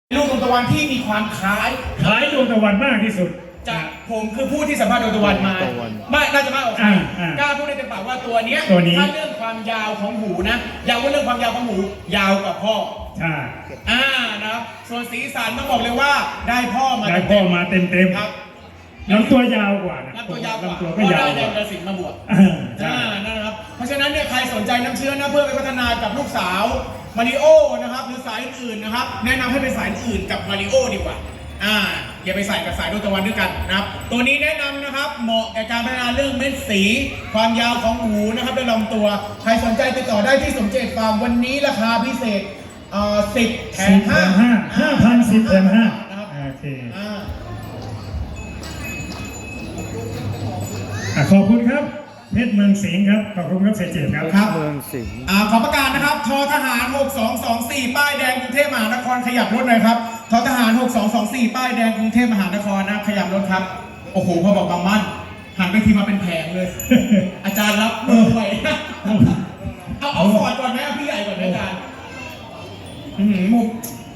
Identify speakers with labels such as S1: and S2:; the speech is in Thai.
S1: ลูกดวงตะวันที่มีความคล้าย
S2: ดวงตะวันมากที่สุด
S1: จากผมคือผู้ที่สัมภาษณ์ดวงตะวันมาไม่น่าจะมากกว่าใครกล้าพูดได้เต็มปากว่าตัวนี้ถ้าเรื่องความยาวของหูนะยาวว่าเรื่องความยาวของหูยาวกว่าพ่อ
S2: ใช่
S1: นะครับส่วนสีสันต้องบอกเลยว่าได้พ่อมา
S2: เต็มครับลำตัวยาวกว่านะ
S1: ลำตัวยาวกว่า
S2: ก็ยาว
S1: ได้แดงกระสินมาบวกนะครับเพราะฉะนั้นเนี่ยใครสนใจน้ำเชื้อนะเพื่อไปพัฒนากับลูกสาวมาริโอนะครับหรือสายอื่นนะครับแนะนำให้เป็นสายอื่นกับมาริโอดีกว่าอย่าไปใส่กับสายดวงตะวันด้วยกันนะครับตัวนี้แนะนำนะครับเหมาะแก่การพัฒนาเรื่องเม็ดสีความยาวของหูนะครับและลำตัวใครสนใจติดต่อได้ที่สมเจตฟาร์มวันนี้ราคาพิเศษ10 แถม
S2: 5,010 แถม 5นะครับโอเคขอบคุณครับเพชรเมืองสิงห์ครับขอบคุณครับเสเจตครับ
S1: เมืองสิงห์ขอประกาศนะครับททหาร6224ป้ายแดงกรุงเทพมหานครขยับรถหน่อยครับททหาร6224ป้ายแดงกรุงเทพมหานครนะขยับรถครับโอ้โหพอบอกบางมั่นหันไปทีมาเป็นแผงเลย อาจารย์รับมือไหวเอาฟอร์ดก่อนไหมพี่ใหญ่ก่อนไหมอาจารย์มุก